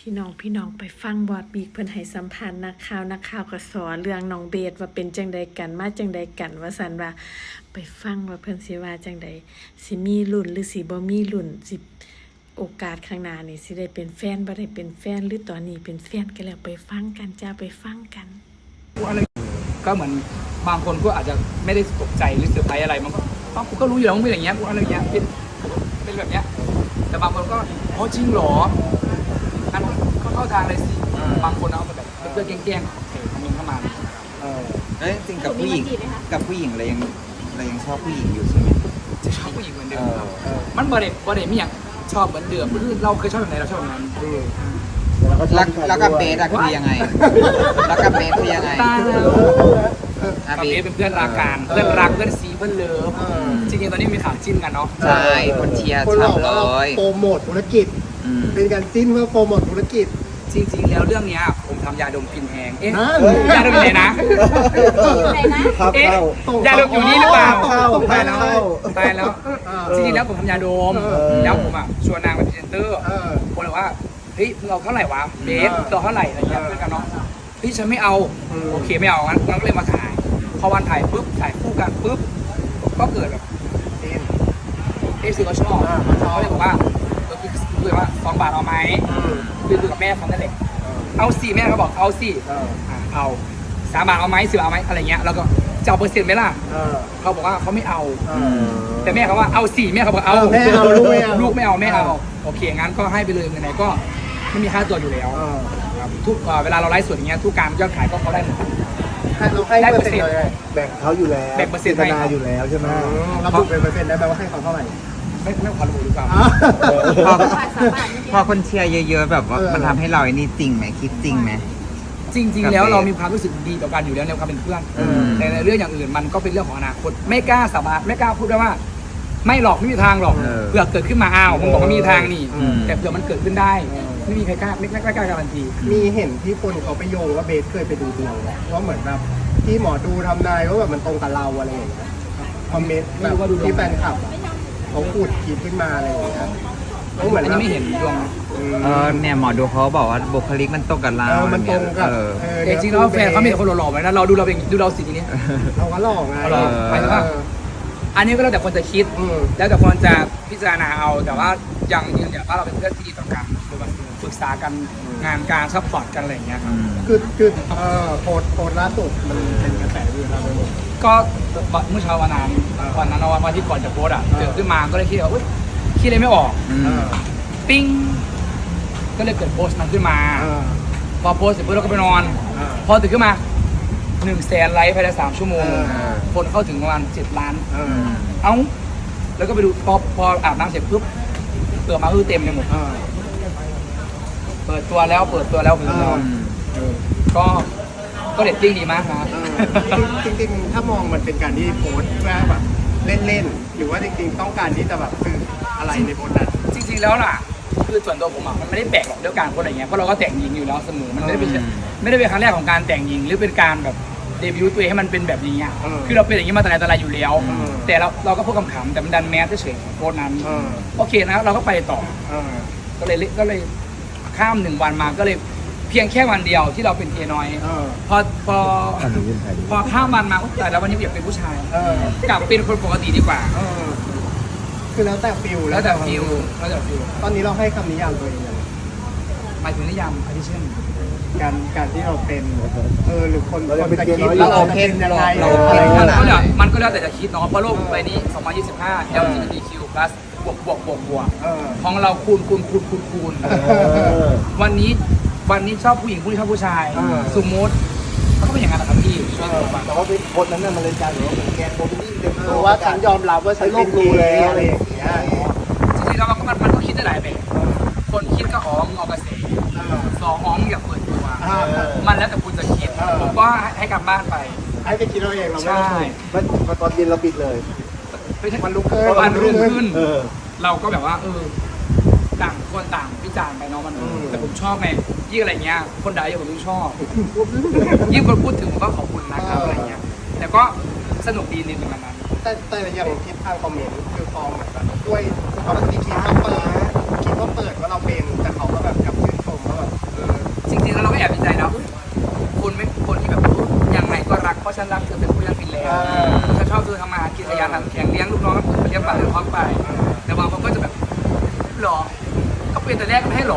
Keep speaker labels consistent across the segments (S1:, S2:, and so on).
S1: พี่น้องไปฟังบอดบีกเพิ่นให้สัมภาษณ์นักข่าวก็สอนเรื่องน้องเบสว่าเป็นจังใดกันมาจังใดกันว่าซั่นว่าไปฟังว่าเพิ่นสิว่าจังใดสิมีลุ้นหรือสิบ่มีลุ้นสิโอกาสข้างหน้านี่สิได้เป็นแฟนบ่ได้เป็นแฟนหรือตอนนี้เป็นแฟนกันแล้วไปฟังกันจ้าไปฟังกัน
S2: ก็เหมือนบางคนก็อาจจะไม่ได้ตกใจหรือเซอร์ไพรส์อะไรมันก็กูก็รู้อยู่แล้วมันเป็นอย่างเงี้ยกูอะไรอย่างเงี้ยเป็นแบบเนี้ยแต่บางคนก็อ๋อจริงเหรออันก็เข้าทางเลยสิบางคนเอาแบบเพื่อนแกล้งๆคอมเมนต์เข้ามา
S3: จริงกับผู้หญิงเรายังชอบผู้หญิงอยู่ใช่ไหม
S2: จะชอบผู้หญิงเหมือนเดิมมันบ่ได้มีอย่างชอบเหมือนเดิมคือเราเคยชอบแบบไหนเราชอบแบบนั้น
S3: แล้วกับเบสอะคือยังไงแล้วกับเบสคือยังไง
S2: ตายแล้วกับเบสเป็นเพื่อนรักกันเพื่อนรักเพื่อนซีเพื่อนเลิฟจริงๆตอนนี้มีข่าวจิ้นกันเนาะ
S3: ใช่คนเชียร์ฉ่ำเลย
S4: โปรโมทธุรกิจเป็นการจิ้นเพื่อโปรโมทธุรกิจ
S2: จริงๆแล้วเรื่องนี้ผมทำยาดมกลิ่นแหงยาดมอยู่ไหนนะยาดมอยู่นี่หรือเปล่าตายแล้วจริงๆแล้วผมทำยาดมแล้วผมชวนนางเป็นพรีเซนเตอร์ผมเลยว่าเฮ้ยเราเท่าไหร่วะเบสเราเท่าไหร่อะไรเงี้ยเพื่อนกันเนาะพี่ฉันไม่เอาโอเคไม่เอางั้นก็เลยมาถ่ายพอวันถ่ายปุ๊บถ่ายคู่กันปุ๊บก็เกิดแบบซีก็ชอบเขาเลยบอกว่าคือว่า2 บาทเอาไหมคือกับแม่เขานั่นแหละเอา4แม่เขาบอกเอา4เอา3 บาทเอาไหม10 บาทเอาไหมอะไรเงี้ยแล้วก็จะเอาเปอร์เซ็นต์ไหมล่ะเขาบอกว่าเขาไม่เอาแต่แม่เขาว่าเอา4แม่เขาบอกเอาลูกไม่เอาแม่เอาโอเคงั้นก็ให้ไปเลยไหนๆก็ไม่มีค่าตัวอยู่แล้วทุกเวลาเราไลฟ์สดอย่างเงี้ยทุกการยอดขายก็เขาได้หมด
S4: ได้เปอร์เซ็นต์แบ่งเขาอยู่แล้ว
S2: แบ่งเปอร์เซ็นต์ให้
S4: อยู่แล้วใช่ไหมเราบุกเป็นเปอร์เซ็นต์ได้แปลว่าให้เขาเท่าไหร่
S2: ไม่ขอรู้ดีกว่า
S3: พอคนเชียร์เยอะๆแบบว่ามันทำให้เราไอ้นี่จริงไหมคิดจริงไหม
S2: จริงๆแล้วเรามีความรู้สึกดีต่อกันอยู่แล้วในความเป็นเพื่อนแต่ในเรื่องอย่างอื่นมันก็เป็นเรื่องของอนาคตไม่กล้าสาบานไม่กล้าพูดได้ว่าไม่หรอกไม่มีทางหรอกเผื่อเกิดขึ้นมาผมบอกว่ามีทางนี่แต่เผื่อมันเกิดขึ้นได้ไม่มีใครกล้าไม่กล้าการันตี
S4: มีเห็นที่คนเขาไปโยงว่าเบสเคยไปดูดวงว่าเหมือนแบบที่หมอดูทำนายว่าแบบมันตรงกับเราอะไรอย่างเงี้ยคอมเมนต์แบบที่แฟนคลับเขาพูดคิดขึ้นมาอะไรอย่างเงี้ย
S2: เขาเหมือนไม่เห็นดวง
S3: เนี่ยหมอดูเขาบอกว่าบุคลิกมันตรงกับเรา
S4: มันตรงกับ
S2: จริงๆแล้วแฟนเขามีแต่คนหล่อๆไว้นะเราดูเราเป็นดูเราสิทีนี้
S4: เราก็หล่อไง
S2: หมายถึงว่าอันนี้ก็แล้วแต่คนจะคิดแล้วแต่คนจะพิจารณาเอาแต่ว่าอย่างยืนยันว่าเราเป็นเพื่อนที่ดีต่อกันปรึกษากันงานการซัพพอร์ตกันอะไรอย่างเงี้ยครับ
S4: คือโพสล่าสุดมันเป็นกระแสอยู่ครับ
S2: ก็เมื่อเช้าวันนั้นวันที่ก่อนจะโพสเกิดขึ้นมาก็เลยคิดว่าคิดอะไรไม่ออกปิ้งก็เลยเกิดโพสต์นั้นขึ้นมาพอโพสต์เสร็จปุ๊บเราก็ไปนอนพอตื่นขึ้นมา100,000 ไลค์ภายใน3 ชั่วโมงคนเข้าถึงประมาณ7 ล้านแล้วก็ไปดูพออาบน้ำเสร็จปุ๊บเปิดมาเต็มเลยหมดเปิดตัวแล้วก็เรตติ้งดีมากนะ
S4: จริงๆถ้ามองมันเป็นการที่โพสต์เพื่อแบบเล่นๆหรือว่าจริงๆต้องการที่จะแบบสื่ออะไรในโพสต์นั้น
S2: จริงๆแล้วล่ะคือส่วนตัวผมมันไม่ได้แปลกหรอกเรื่องการโพสต์อะไรเงี้ยเพราะเราก็แต่งหญิงอยู่แล้วเสมอมันไม่ได้เป็นครั้งแรกของการแต่งหญิงหรือเป็นการแบบเดบิวต์ตัวเองให้มันเป็นแบบนี้คือเราเป็นอย่างนี้มาแต่ไหนแต่ไรอยู่แล้วแต่เราก็พูดขำๆแต่มันดันแมสเฉยๆโพสต์นั้นโอเคนะเราก็ไปต่อก็เลยข้าม1 วันมาก็เลยเพียงแค่วันเดียวที่เราเป็นเกย์น้อยพอข้ามวันมาแต่แล้ววันนี้อยากเป็นผู้ชายกลับเป็นคนปกติดีกว่า
S4: คือแล้วแต่ฟิลตอนนี้เราให้คำนิยามตัวเอง
S2: หมายถึงนิยามอะไรเช่น
S4: การที่เราเป็นหรือคนจะคิดเราเป็นยังไง
S2: มันก็แล้วแต่จะคิดเนาะเพราะโลกใบนี้2025 LGBTQ+ บวกของเราคูณวันนี้ชอบผู้หญิงผู้นี้ชอบผู้ชายสมมติมันก็เป็นอย่างนั้นนะครับพี่
S4: แต่ว่าคนนั้นมันเลยกลายเป็นว่าแกนโมบิลี่เต็มตัวว่าฉันยอมรับว่าฉันเป็นเกย์อะไรอย่างเงี้ย
S2: จริงๆแล้วมันก็คิดได้หลายแบบคนคิดก็มึงเอากระแส2มึงอย่าเปิดตัวมันแล้วแต่คุณจะคิดผมก็ให้กลับบ้านไป
S4: ให้ไปคิดเราเองเราไม่ตอนเย็นเราปิดเลย
S2: ไม่ใช่วันรุ่งขึ้นเราก็แบบว่าต่างคนต่างวิจารณ์ไปเนาะมันแต่ผมชอบไงยิ่งอะไรเงี้ยคนด่าเยอะผมยิ่งชอบยิ่งคนพูดถึงผมก็ขอบคุณนะครับอะไรเงี้ยแต่ก็สนุกดีในวันนั้น
S4: แต่อย่างทิศทางคอมเมนต์คือพอเหมือนแบบด้วยเขาบางทีคิดว่าเปิดว่าเราเป็นแต่เขาก็แบบกลับชื่นชมว่าแบบ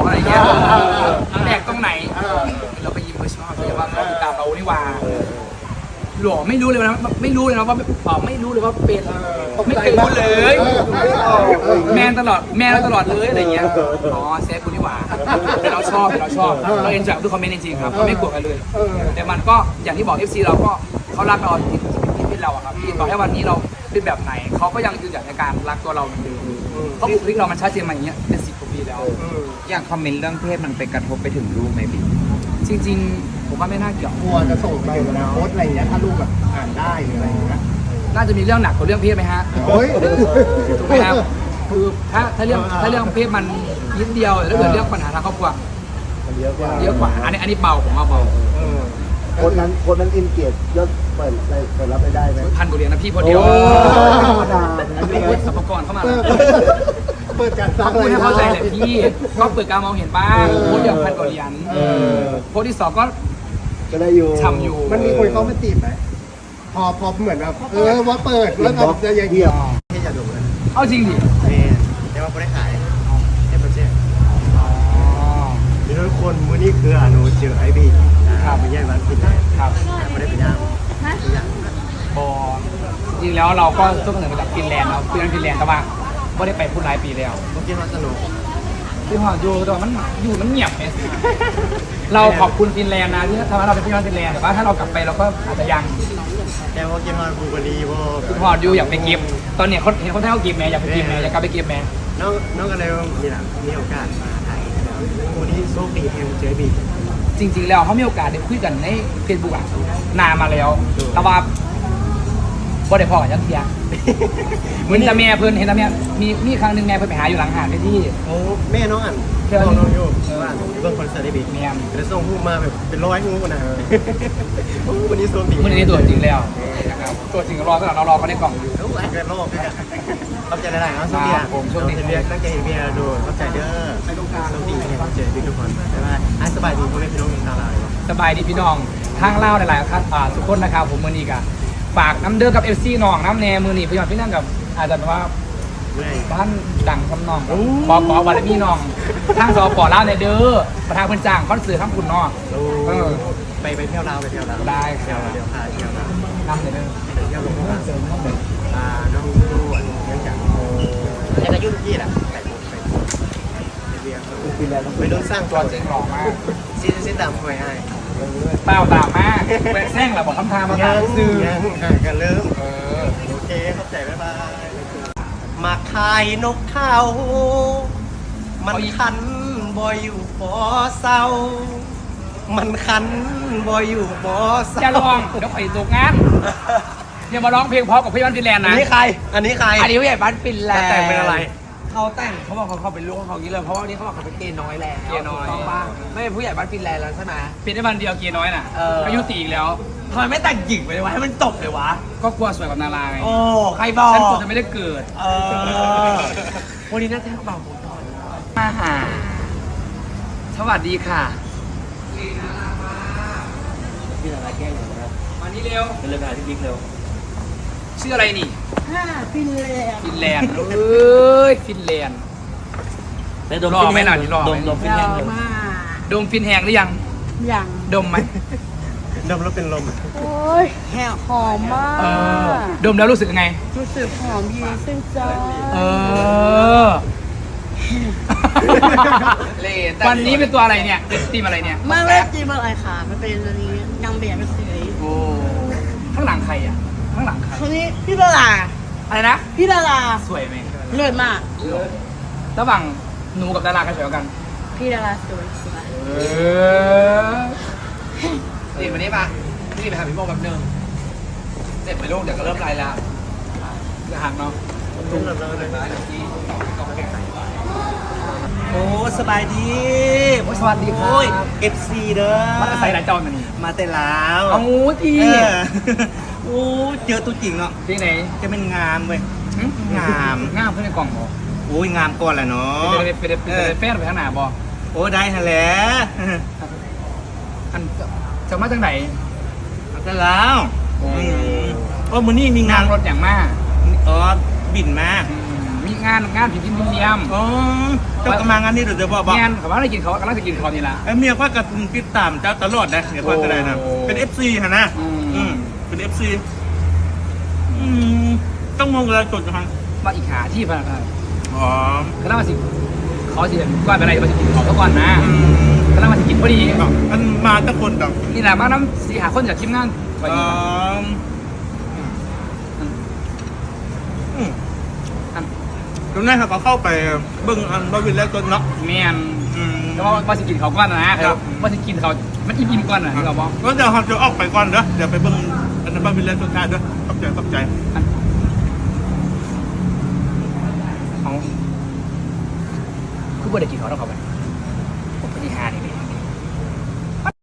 S2: อะไรเงี้ยแปลกตรงไหนเราก็ยิ้มชอบเลยว่าเขาติดตามเรานี่ว่าหล่อไม่รู้เลยนะไม่รู้เลยนะว่าไม่รู้เลยว่าเป็นไม่เคยรู้เลยแมนตลอดเลยอะไรเงี้ยอ๋อเซฟคุณนี่หว่าแต่เราชอบเราเอ็นจอยทุกคอมเมนต์จริงๆครับเราไม่กลัวกันเลยแต่มันก็อย่างที่บอก FC เราก็เขารักเราที่เราอะครับที่ต่อให้วันนี้เราเป็นแบบไหนเขาก็ยังยืนหยัดในการรักตัวเราเหมือนเดิมเพราะบุคลิกเรามันชัดเจนมาอย่างเงี้ยเป็น10 กว่าปีแล้ว
S3: อย่างคอมเมนต์เรื่องเพศมันไปกระทบไปถึงลูกไหมบิ๊ก
S2: จริงๆผมว่าไม่น่าเกี่ยว
S4: กลัวจะส่งไปถึงอนาคตอะไรเงี้ยถ้าลูกแบบอ่านได้หรืออะไรเงี้ย
S2: น่าจะมีเรื่องหนักกว่าเรื่องเพศไหมฮะ
S4: โอ้ย
S2: ถูกไหมครับคือถ้าเรื่องเพศมันนิดเดียวแต่ถ้าเกิดเรื่องปัญหาทางครอบครัว
S5: มันเยอะกว่า
S2: เยอะกว่าอันนี้เบาผมว่าเบา
S5: คนนั้นอินเกียรติยศเปิดรับไปได้ไหม
S2: 1,000 กว่าเหรียญนะพี่พอเดียว
S5: โอ้ธรรมดา
S2: มีวุฒิสรรพากรเข้ามาแล้ว
S4: เปิดการสร้า
S2: เขา
S4: ง
S2: พูดให้
S4: ราย
S2: เข้าใจ
S4: ได้
S2: แหละพี่ก็เปิดการมองเห็นบ้างโพสต์เดียว1,000 กว่าเหรียญโพสต์ที่2ก็
S5: ก็ได้อยู่
S2: ทำอยู่
S4: มันมีคนเข้ามาจีบไหมพอเหมือนแบบว่าเปิดแล้วแบบจะยัง
S5: เดี่ยว
S4: ที่จะดูเลย
S2: เอาจริงดิ
S4: แต่ว่าไม่ได้ขายให้ประเทศมีทุกคนมือนี้คืออนุเจอไอบีไม่ใช่วันพินได้
S2: ครับ
S4: ไม่ได้ไปย่างตัวอย่าง
S2: บอจริงๆแล้วเราก็ต้นกำเนิดมาจากฟินแลนด์เราฟินแลนด์แต่ว่าไม่ได้ไปพูดหลายปีแล้ว
S4: เมื่อกี้มาสนุก
S2: ที่หออยู่แต่ว่ามันเงียบไงเราขอบคุณฟินแลนด์นะที่ทำให้เราเป็นพี่น้องฟินแลนด์แต่ว่าถ้าเรากลับไปเราก็อาจจะยัง
S4: แต่ว่ากินมาบูกดีว่า
S2: พี่หออยู่อยากไปเก็บตอนเนี้ยเขาเห็นคนไทยเขาเก็บแม่อยากไปเก็บแม่อยากกลับไปเก็บแม่
S4: น้องกันเลยมีโอกาสมาไทยวันนี้โชคดีแห่งเจอบี
S2: จริงๆแล้วเขามีโอกาสได้คุยกันในเฟซบุ๊กอะนานมาแล้วแต่ว่าบ่ได้พอกันยักเทียเหมือนแต่แม่เพิ่นเห็นแต่แม่มีครั้งหนึ่งแม่เพิ่นไปหาอยู่หลังหาดไปที่
S4: โอ้แม่น้องอ่านน้องอยู่ว่าเบิ่งคอนเสิร์ตได้บี
S2: แม่
S4: แล้วส่งรูปมาแบบเป็นร้อยงูนะวันนี้โชคดี
S2: มื่อนี้ตัวจริงแล้วนะครับตัวจริงรอก็เรารอเขาในกล่องอยู่
S4: รู้เกิดโลกด้วยกันเข้าใจได้ๆเนาะโชคดีโชคดีเรียกตั้งใจเห็นเบียร์ดูเข้าใจเด้อโชคดีเห็นเจอทุกคนใช่ไหมสบายดีพ่อแม่พี่น้องชาวลาว
S2: สบายดีพี่น้องทางเล่าหลายๆครับทุกคนนะครับผมมือนี้กะฝากน้ำเด้อกับเอฟซีน้องน้ำแนมือนี้พี่น้องพี่นั่งกับอาจจะแบบว่า
S4: เมื่อย
S2: บ้านดังคำนองขอวันละมีน้องทางสปอเล่าในเด้อประธานเพิ่นจ้างคอนเสิร์ตทั้งคุณน้อง
S4: ไปเที่ยวลาวไปเที่ยวลาว
S2: ได้ค
S4: เที่ย
S2: รั
S4: ว
S2: บ
S4: เดี๋ยวพาเที่ยวลาว
S2: นำเลยเด้อ
S4: ไปเที่ยวลงมาน้องดูอันยังจังแล้วก็ยุ่งที่แหละไปเบียร์ไปโดนสร้าง
S2: ตัวจริงหล่อมาก
S4: ซีตามคอยให้
S2: เปล่าตามมากแหวกแซงแหละบอกคำทางมาตามซื้อ
S4: ยังกันเริ่มโอเคเข้าใจบ๊ายบายมาขายนกเขามันคันบ่อยู่บ่เศร้ามันคันบ่อยู่บ่เศร้า
S2: จะลองเดี๋ยวไปตกงานอย่ามาร้องเพลงเพราะกับพี่บ้านฟินแลนด์
S4: อั
S2: นะ
S4: นนี้ใคร อันนี้ใคร
S2: อันนี้ผู้ใหญ่บ้านฟินแลนด์
S4: แต่งเป็นอะไร
S6: เขาแต่งเขาบอกเขาเป็นลูกของเขาอย่างนี้เลยเพราะว่าวันนี้เขาบอกเขาเป็นเกย์น้อยแล้ว
S2: เกย์น้อย
S6: ถูกต้องป่ะไม่เป็นผู้ใหญ่บ้านฟินแลนด์แล้วใช่ไหม
S2: เป็นได้วันเดียวเกียร์น้อยน่ะ
S6: เออ
S2: อายุตีอีกแล้ว
S6: ทำไมไม่แต่งหญิงไปเลยวะให้มันจบเลยวะ
S2: ก็กลัวสวยกับนาราไง
S6: โอ้ใครบอก
S2: ฉันกลัวจะไม่ได้เกิด
S6: เออวันนี้น่าจะเบาหมดหน่อย
S2: มาหาสวัสดีค่ะ
S5: พี่อะไรแก้อยู่นะครับ
S2: มานี่เร็ว
S5: เป็นเรื่องงานที่บิ๊กเร็ว
S2: ชื่ออะไรนี่
S1: ฟินแลนด์
S2: ฟินแลนด์เอ้ยฟินแลนด์
S5: ได้ดม
S2: รอไหมล่ะนี่รอไหม
S5: ดมฟินแลนด์เร็ว
S2: ดมฟินแหงหรือยัง
S1: อย่าง
S2: ดมไหม
S4: ดมแล้วเป็นลม
S1: โอ้ยแหกหอมมาก
S2: เออดมแล้วรู้สึกยังไง
S1: รู้สึกหอมเย็นซึ่งใจ
S2: เออ
S6: เลน
S2: วันนี้เป็นตัวอะไรเนี่ยเป็นทีมอะไรเนี่ย
S1: ไม่ได้จีมอะไรค่ะ มันเป็นอันนี้นางแบบเป็นสี
S2: โอ้ข้างหลังใครอ่ะข้างหลังใคร
S1: คนนี้พี่ดารา
S2: อะไรนะ
S1: พี่ดารา
S2: สวยไหม
S1: เลิศมาก
S2: ระหว่างหนูกับดาราใครสวยกว่ากัน
S1: พี่ดาราสวยสวย
S2: เออ
S6: นี่วันนี้ปะนี่ไปหาพี่โมแบบนึงเสร็จไปลูกเดี๋ยวก็เริ่มไลน์แล้ว
S2: จะหักเนาะ
S4: ตุ้มแล้วเลย
S6: โอ้สบายดี
S2: โอ้ยสวัสดีครั
S6: โอ้ย
S2: บ
S6: FC เด้อ
S2: มันจะใส่หลายจอนมานี่
S6: มาแต่ลาว
S2: เอาที
S6: โอ้เจอตัวจริงเนาะ
S2: ที่ไหน
S6: จะเป็นงามเว้ย งาม
S2: งามเพื่อนในกล่องบอ
S6: โอ้ยงามก่อนแหละเนาะ
S2: เป็นแฟนไปข้างหน้าบอ
S6: โอ้ได้ฮะแหล้ว
S2: อันจะมาจากไหน
S6: มาแต่ลาว
S2: โอ้
S6: โอ้มือนี่มีงาง
S2: าน นรถอย่างมาก
S6: อ๋อบินมา
S2: มีงานผิดที่มีเนียม
S7: อ๋อเจ้ากำลังงานนี้เดี๋ยวจะบอก
S2: งานเขาว่าอะไรกินเขากำลังจะกินเขานี่ละ
S7: ไอ้เมียพ่อกับติดตามเจ้าตลอดนะเมียพ่อก็ได้นะ
S2: โอ้
S7: เป็น FC ฮะนะ
S2: อืม
S7: เป็น FC ต้องมองอะไรจดนะครับ
S2: มาอีกหาที่พนักงาน
S7: อ๋อ
S2: ก็น่ามาสิเขาสิก้อนไปอะไรมาสิกินเขาซะก่อนนะก็น่ามาสิกินพอดี
S7: มันมาตั้งคนดอก
S2: นี่แหละมาน้ำ4-5 คนจากทีมงานพอดี
S7: ตรงนั้นเขาก็เข้าไปเบิ้งอันบวินแล้วจนเนาะ
S2: แมนแต่ว่ามาสิกินเขาก่อนนะมาสิกินเขามันอิ่มก่อนนะเราบอก
S7: ก็เดี๋ยวเขาจะออกไปก่อนเด้อเดี๋ยวไปเบิ้งอันนั้นบวินแล้วจนได้เด้อขอบใจ
S2: เขาคือบ่ได้กินเขาต้องเขาไป